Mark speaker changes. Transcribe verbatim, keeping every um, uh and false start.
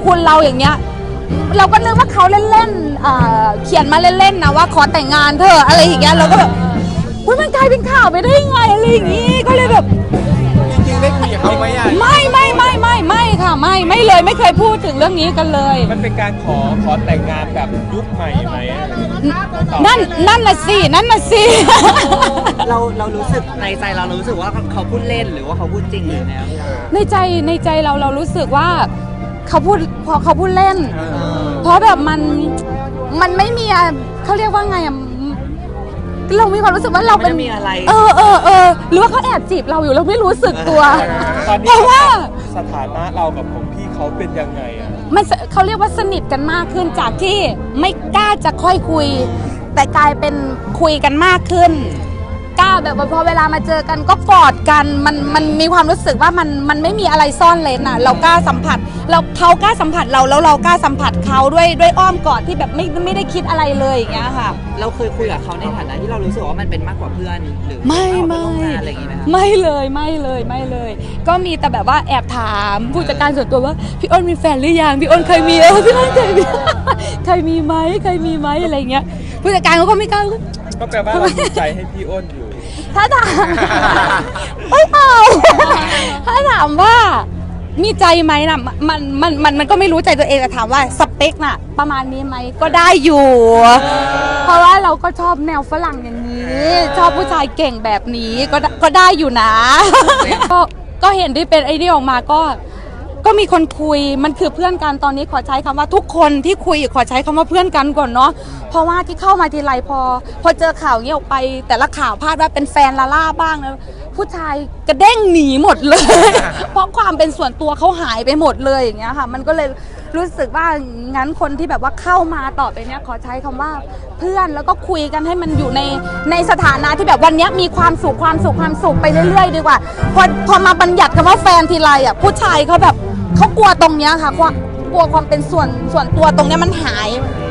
Speaker 1: คุณเราอย่างเงี้ยเราก็นึกว่าเขาเล่นๆอ่าเขียนมาเล่นๆนะว่าขอแต่งงานเธออะไรอย่างเงี้ยเราก็แบบอุ๊ยมันกลายเป็นข่าวไปได้ยังไงอะไรอย่างงี้ก็เลยแบบ
Speaker 2: จริงๆได้คุยกับเขาไหมอ่ะ
Speaker 1: ไม่ไม่ไม่ไม่ไม่ค่ะไม่ไม่เลยไม่เคยพูดถึงเรื่องนี้กันเลย
Speaker 2: มันเป็นการขอขอแต่งงานแบบยุคใหม่ไหม
Speaker 1: นั่นนั่นน่ะสินั่นน่ะสิ
Speaker 3: เราเรารู้สึกในใจเรารู้สึกว่าเขาพูดเล่นหรือว่าเขาพูดจริงหรือไง
Speaker 1: ในใจในใจเราเรารู้สึกว่าเขาพูดพอเขาพูดเล่นเพราะแบบมันมันไม่มีเขาเรียกว่าไงอะเรามีความรู้สึกว่าเราเป็น
Speaker 3: มีอะไร
Speaker 1: เออเออเออหรือว่าเขาแอบจีบเราอยู่เราไม่รู้สึกตัวเพราะว่า
Speaker 2: สถานะเรากับผมพี่เขาเป็นยังไงอ่ะ
Speaker 1: มันเขาเรียกว่าสนิทกันมากขึ้นจากที่ไม่กล้าจะค่อยคุยแต่กลายเป็นคุยกันมากขึ้นกล้าแบบว่าพอเวลามาเจอกันก็กอดกันมันมันมีความรู้สึกว่ามันมันไม่มีอะไรซ่อนเลนอ่ะเรากล้าสัมผัสเราเขากล้าสัมผัสเราแล้วเรากล้าสัมผัสเขาด้วยด้วยอ้อมกอดที่แบบไม่ไม่ได้คิดอะไรเลยอย่างเงี้ยค่ะ
Speaker 3: เราเคยคุยกับเขาในฐานะที่เรารู้สึกว่ามันเป็นมากกว่าเพื่อนหรือ
Speaker 1: ไม่ไม่
Speaker 3: อะไรอย่างเงี้ยไหมคะ
Speaker 1: ไม่เลยไม่เลยไม่เลยก็มีแต่แบบว่าแอบถามผู้จัดการส่วนตัวว่าพี่อ้นมีแฟนหรือยังพี่อ้นเคยมีเออพี่อ้นเคยมีเคยมีไหมเคยมีไหมอะไรเงี้ยผู้จัดการเขาก็ไม่กล้า
Speaker 2: ก็แปลว่าเราใจให้พี่อ้นอยู่
Speaker 1: ถ้าถามไม่เอาถ้าถามว่ามีใจไหมนะมันมันมันมันก็ไม่รู้ใจตัวเองแต่ถามว่าสเปคน่ะประมาณนี้ไหมก็ได้อยู่เพราะว่าเราก็ชอบแนวฝรั่งอย่างนี้ชอบผู้ชายเก่งแบบนี้ก็ก็ได้อยู่นะก็ก็เห็นที่เป็นไอ้นี่ออกมาก็ก็มีคนคุยมันคือเพื่อนกันตอนนี้ขอใช้คำว่าทุกคนที่คุยขอใช้คำว่าเพื่อนกันก่อนเนาะเพราะว่าที่เข้ามาทีไรพอพอเจอข่าวนี้ออกไปแต่ละข่าวพาดว่าเป็นแฟนลาล่าบ้างนะผู้ชายกระเด้งหนีหมดเลย เพราะความเป็นส่วนตัวเขาหายไปหมดเลยอย่างเงี้ยค่ะมันก็เลยรู้สึกว่างั้นคนที่แบบว่าเข้ามาต่อไปเนี้ยขอใช้คำว่าเพื่อนแล้วก็คุยกันให้มันอยู่ในในสถานะที่แบบวันนี้มีความสุขความสุขความสุขไปเรื่อยๆดีกว่าพอพอมาบัญญัติคำว่าแฟนทีไรอ่ะผู้ชายเขาแบบเขากลัวตรงเนี้ยค่ะกลัวความเป็นส่วนส่วนตัวตรงเนี้ยมันหาย